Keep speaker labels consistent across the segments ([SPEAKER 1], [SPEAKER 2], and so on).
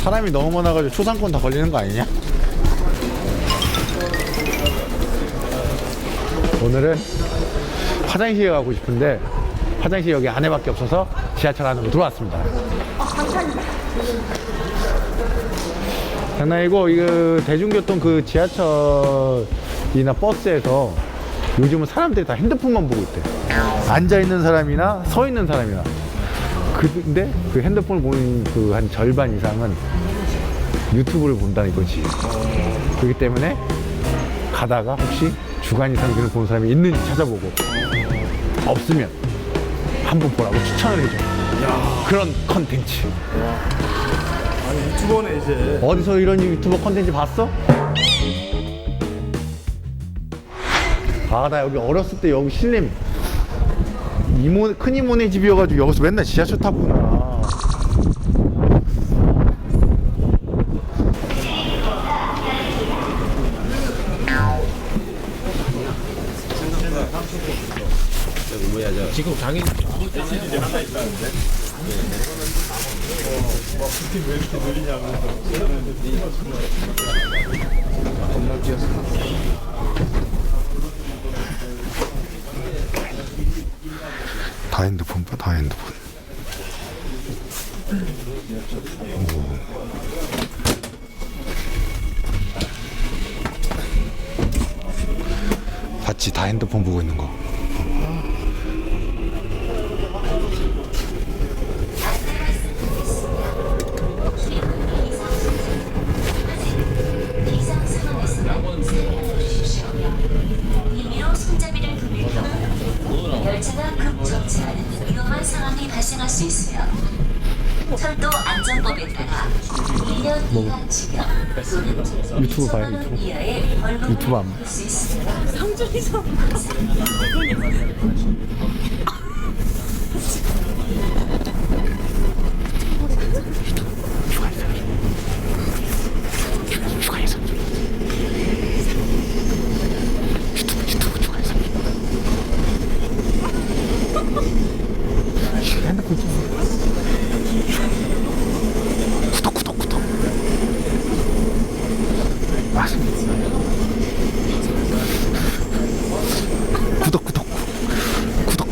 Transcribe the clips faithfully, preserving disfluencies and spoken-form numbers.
[SPEAKER 1] 사람이 너무 많아가지고 초상권 다 걸리는 거 아니냐? 오늘은 화장실에 가고 싶은데 화장실 여기 안에밖에 없어서 지하철 안으로 들어왔습니다. 장난이고, 이거 대중교통 그 지하철이나 버스에서 요즘은 사람들이 다 핸드폰만 보고 있대. 앉아있는 사람이나 서 있는 사람이나. 근데 그 핸드폰을 보는 그 한 절반 이상은 유튜브를 본다는 이거지. 그렇기 때문에 가다가 혹시 주간 이상균을 보는 사람이 있는지 찾아보고, 없으면 한번 보라고 추천을 해줘. 야. 그런 컨텐츠.
[SPEAKER 2] 아니 유튜버네 이제.
[SPEAKER 1] 어디서 이런 유튜버 컨텐츠 봤어? 아, 나 여기 어렸을 때 여기 신림 이모, 큰 이모네 집이어가지고 여기서 맨날 지하철 탔구나.
[SPEAKER 2] 지금 장인 일이 하나 있다는데. 와, 부팅 왜 이렇게 느리냐면서. 겁나 뛰었어.
[SPEAKER 1] 다 핸드폰 봐, 다 핸드폰. 오. 봤지? 다 핸드폰 보고 있는 거.
[SPEAKER 3] 열차가 급정차하는 위험한 상황이 발생할 수 있으며 철도 안전법에 따라 일 년 이하 징역 또는
[SPEAKER 1] 유튜브 봐요,
[SPEAKER 3] 이천만 원
[SPEAKER 1] 유튜브.
[SPEAKER 3] 이하의 벌금을
[SPEAKER 1] 유튜브 안 봐.
[SPEAKER 3] 물을 수 있습니다.
[SPEAKER 4] 상준이서
[SPEAKER 1] 핸드폰 좀. 구독, 구독, 구독. 맞습니다. 구독, 구독, 구독.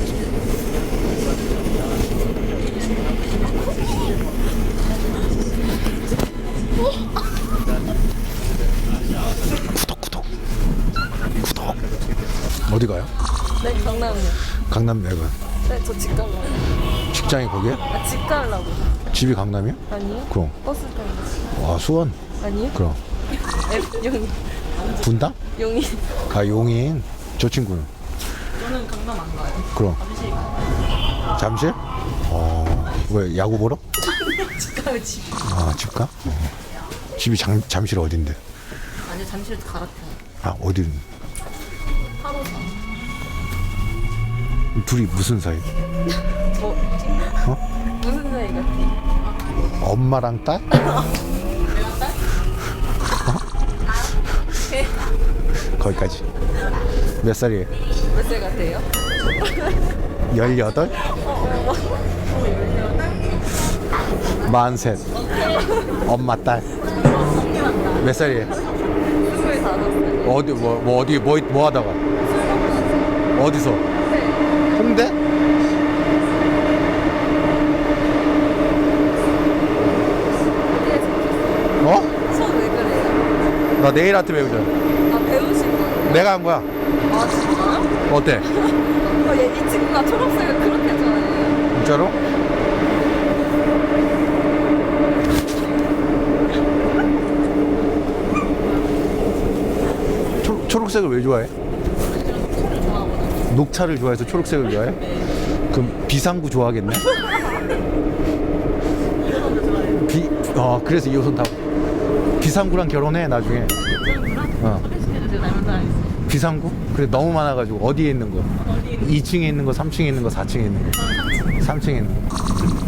[SPEAKER 1] 구독, 구독. 구독. 어디 가요?
[SPEAKER 4] 네, 강남이요.
[SPEAKER 1] 강남 내가.
[SPEAKER 4] 네, 저 집 가려고.
[SPEAKER 1] 직장이 거기야?
[SPEAKER 4] 아, 집 가려고.
[SPEAKER 1] 집이 강남이야?
[SPEAKER 4] 아니요?
[SPEAKER 1] 그럼.
[SPEAKER 4] 버스 타고.
[SPEAKER 1] 와, 수원.
[SPEAKER 4] 아니요?
[SPEAKER 1] 그럼.
[SPEAKER 4] F, 용인.
[SPEAKER 1] 분당?
[SPEAKER 4] 용인.
[SPEAKER 1] 아, 용인. 저 친구는.
[SPEAKER 4] 저는 강남 안 가요.
[SPEAKER 1] 그럼.
[SPEAKER 4] 잠실 가요.
[SPEAKER 1] 잠실? 어, 왜 야구 보러?
[SPEAKER 4] 집 가요, 집.
[SPEAKER 1] 아, 집 가? 어. 집이 장, 잠실 어딘데?
[SPEAKER 4] 아니요, 잠실 갈아타요.
[SPEAKER 1] 아, 어디?
[SPEAKER 4] 하루 사.
[SPEAKER 1] 둘이 무슨 사이?
[SPEAKER 4] 뭐,
[SPEAKER 1] 어?
[SPEAKER 4] 무슨 사이 같아?
[SPEAKER 1] 엄마랑 딸?
[SPEAKER 4] 내가 딸? 네.
[SPEAKER 1] 거기까지. 몇 살이에요?
[SPEAKER 4] 몇 살 같아요?
[SPEAKER 1] 열여덟? 마흔셋. 엄마 딸. 몇 살이에요?
[SPEAKER 4] 스물다섯 살.
[SPEAKER 1] 어디 뭐, 뭐 어디 뭐, 뭐 하다가? 어디서? 홍대? 어?
[SPEAKER 4] 수업 왜 그래요?
[SPEAKER 1] 나 네일 아트 배우잖아.
[SPEAKER 4] 아, 배우신 거예요?
[SPEAKER 1] 내가 한 거야.
[SPEAKER 4] 아, 진짜요?
[SPEAKER 1] 어때?
[SPEAKER 4] 어, 얘, 이 친구가 초록색을 그렇게 좋아해요.
[SPEAKER 1] 진짜로? 초, 초록색을 왜 좋아해? 녹차를 좋아해서 초록색을 좋아해? 그럼 비상구 좋아하겠네? 비, 어, 그래서 이 옷은 다 비상구랑 결혼해 나중에. 어. 비상구? 그래 너무 많아가지고 어디에 있는 거? 이 층에 있는 거, 삼 층에 있는 거, 사 층에 있는 거. 삼 층에 있는 거.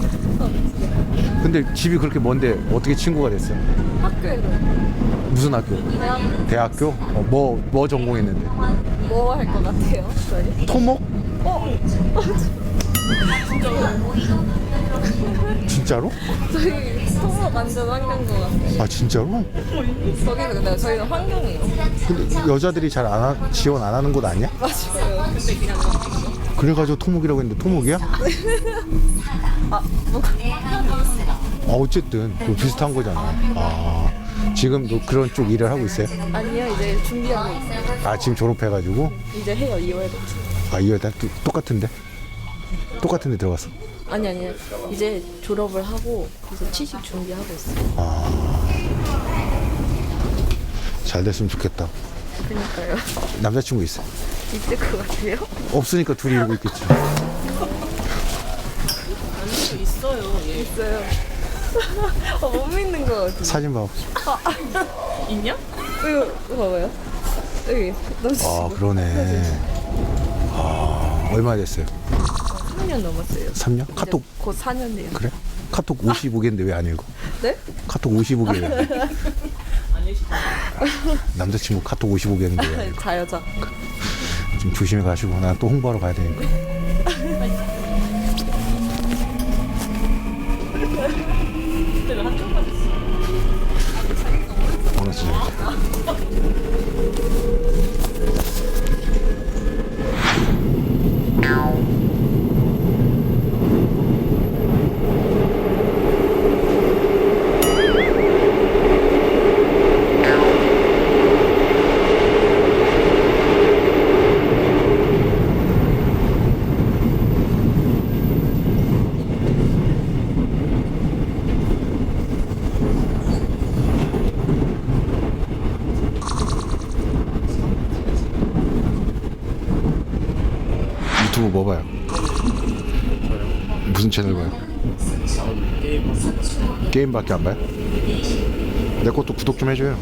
[SPEAKER 1] 근데 집이 그렇게 먼데 어떻게 친구가 됐어?
[SPEAKER 4] 학교에서
[SPEAKER 1] 무슨 학교?
[SPEAKER 4] 대학
[SPEAKER 1] 대학교? 어, 뭐, 뭐 전공했는데?
[SPEAKER 4] 뭐 할 것 같아요? 저희?
[SPEAKER 1] 토목?
[SPEAKER 4] 어?
[SPEAKER 1] 진짜로?
[SPEAKER 4] 저희 토목 완전 환경인 것 같아요.
[SPEAKER 1] 아 진짜로?
[SPEAKER 4] 거기는 근데 저희는 환경이에요.
[SPEAKER 1] 근데 여자들이 잘 안 하, 지원 안 하는 곳 아니야?
[SPEAKER 4] 맞아요. 근데 그냥
[SPEAKER 1] 그래가지고 토목이라고 했는데 토목이야?
[SPEAKER 4] 아 뭐가
[SPEAKER 1] 아 어쨌든 그 비슷한 거잖아. 아 지금도 그런 쪽 일을 하고 있어요?
[SPEAKER 4] 아니요 이제 준비하고 있어요.
[SPEAKER 1] 아 지금 졸업해가지고
[SPEAKER 4] 이제 해요 이월부터.
[SPEAKER 1] 아 이거 다 또- 똑같은데? 똑같은데 들어갔어.
[SPEAKER 4] 아니 아니 이제 졸업을 하고 이제 취직 준비하고 있어요.
[SPEAKER 1] 잘 됐으면 좋겠다.
[SPEAKER 4] 그러니까요.
[SPEAKER 1] 남자친구 있어?
[SPEAKER 4] 있을 것 같아요.
[SPEAKER 1] 없으니까 둘이 이러고 있겠지.
[SPEAKER 4] 있어요. 어, 못 믿는 것 같아요.
[SPEAKER 1] 사진 봐.
[SPEAKER 4] 있냐? 이거 이거 봐봐요. 여기 남자친구.
[SPEAKER 1] 아 그러네. 아 얼마 됐어요?
[SPEAKER 4] 삼 년 넘었어요.
[SPEAKER 1] 삼 년? 카톡
[SPEAKER 4] 이제 곧 사 년 돼요.
[SPEAKER 1] 그래? 카톡 오십오 개인데 왜 안 읽어?
[SPEAKER 4] 네?
[SPEAKER 1] 카톡 오십오 개. 남자친구 카톡 오십오 개인데 왜 안 읽어?
[SPEAKER 4] 다 여자.
[SPEAKER 1] 좀 조심해 가시고 난 또 홍보하러 가야 되니까. 오늘 진짜. 유튜브 뭐 봐요? 무슨 채널 봐요? 게임밖에 안 봐요? 내 것도 구독 좀 해줘요.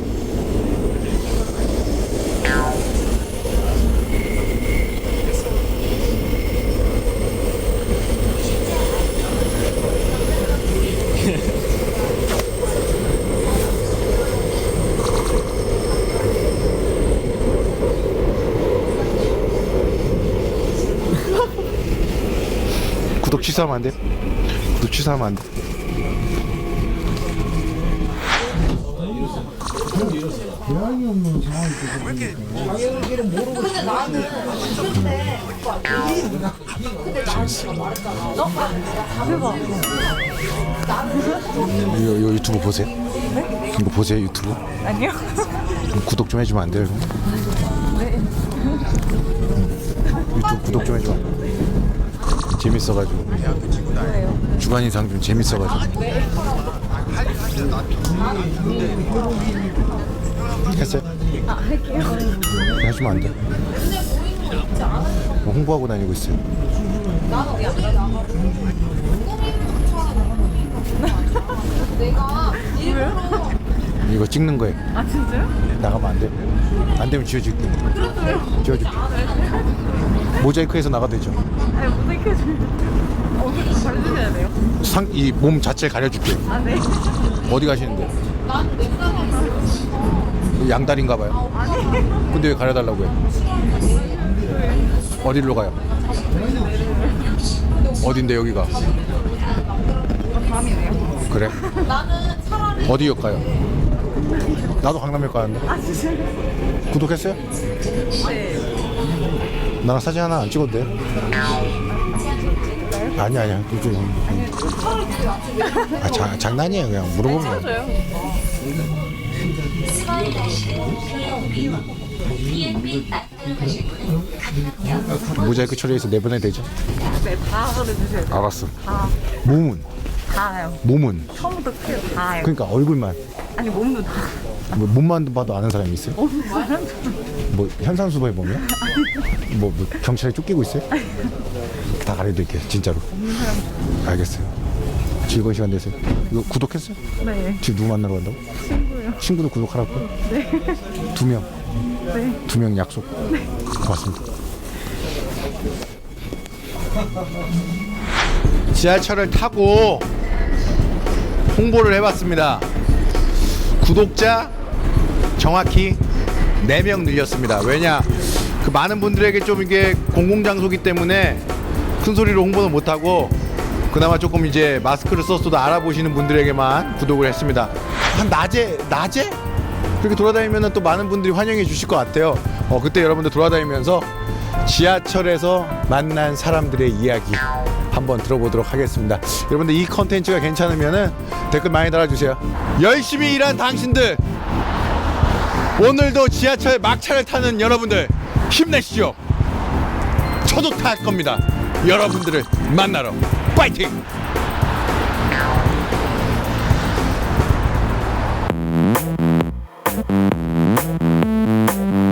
[SPEAKER 1] 구독 취소하면 안 돼? 구독 취소하면 안 돼? 이거, 이거 유튜브 보세요? 네? 이거 보세요 유튜브?
[SPEAKER 4] 아니요.
[SPEAKER 1] 구독 좀 해주면 안 돼요? 네. 유튜브 구독 좀 해줘. 재밌어가지고. 주간 인상 좀 재밌어가지고. 했어요?
[SPEAKER 4] 아 할게요.
[SPEAKER 1] 하시면 안 돼. 뭐 홍보하고 다니고 있어요. 이거 찍는 거예요.
[SPEAKER 4] 아 진짜요?
[SPEAKER 1] 나가면 안 돼. 안 되면 지워줄게. 지워줄게. 모자이크해서 나가도 되죠.
[SPEAKER 4] 아니 모자이크 해주면 얼굴 가려주셔야 돼요.
[SPEAKER 1] 상, 이 몸 자체 가려줄게.
[SPEAKER 4] 아 네.
[SPEAKER 1] 어디 가시는데? 양다리인가 봐요. 근데 왜 가려달라고 해? 어디로 가요? 어딘데 여기가?
[SPEAKER 4] 밤이네요.
[SPEAKER 1] 그래? 어디역 가요? 나도 강남역 가는데.
[SPEAKER 4] 아 진짜요?
[SPEAKER 1] 구독했어요?
[SPEAKER 4] 네.
[SPEAKER 1] 나랑 사진 하나 안 찍어도 돼? 아니 아니야. 이제 아, 자, 장난이에요. 그냥 물어보면.
[SPEAKER 4] 저요?
[SPEAKER 3] 스마일 라이트 비앤비 가실 분은 가능하며
[SPEAKER 1] 모자이크 처리해서 내보내 되죠?
[SPEAKER 4] 네, 다 보내주셔야 돼요.
[SPEAKER 1] 알았어.
[SPEAKER 4] 다.
[SPEAKER 1] 몸은
[SPEAKER 4] 다요.
[SPEAKER 1] 몸은
[SPEAKER 4] 처음부터 끝까지 다요.
[SPEAKER 1] 그러니까 얼굴만
[SPEAKER 4] 아니 몸도 다.
[SPEAKER 1] 뭐 몸만 봐도 아는 사람이 있어요? 뭐 현상수보에 보면? 뭐, 뭐 경찰에 쫓기고 있어요? 다 가려드릴게요 진짜로. 알겠어요. 즐거운 시간 되세요. 이거 구독했어요?
[SPEAKER 4] 네.
[SPEAKER 1] 지금 누구 만나러 간다고?
[SPEAKER 4] 친구요.
[SPEAKER 1] 친구도 구독하라고?
[SPEAKER 4] 네.
[SPEAKER 1] 두 명.
[SPEAKER 4] 네.
[SPEAKER 1] 두 명 약속. 네. 고맙습니다. 지하철을 타고 홍보를 해봤습니다. 구독자 정확히 네 명 늘렸습니다. 왜냐? 그 많은 분들에게 좀 이게 공공장소기 때문에 큰 소리로 홍보는 못하고 그나마 조금 이제 마스크를 썼어도 알아보시는 분들에게만 구독을 했습니다. 한 낮에 낮에 그렇게 돌아다니면 또 많은 분들이 환영해 주실 것 같아요. 어, 그때 여러분들 돌아다니면서 지하철에서 만난 사람들의 이야기 한번 들어보도록 하겠습니다. 여러분들 이 컨텐츠가 괜찮으면은 댓글 많이 달아주세요. 열심히 일한 당신들, 오늘도 지하철 막차를 타는 여러분들 힘내시죠. 저도 탈 겁니다. 여러분들을 만나러 파이팅!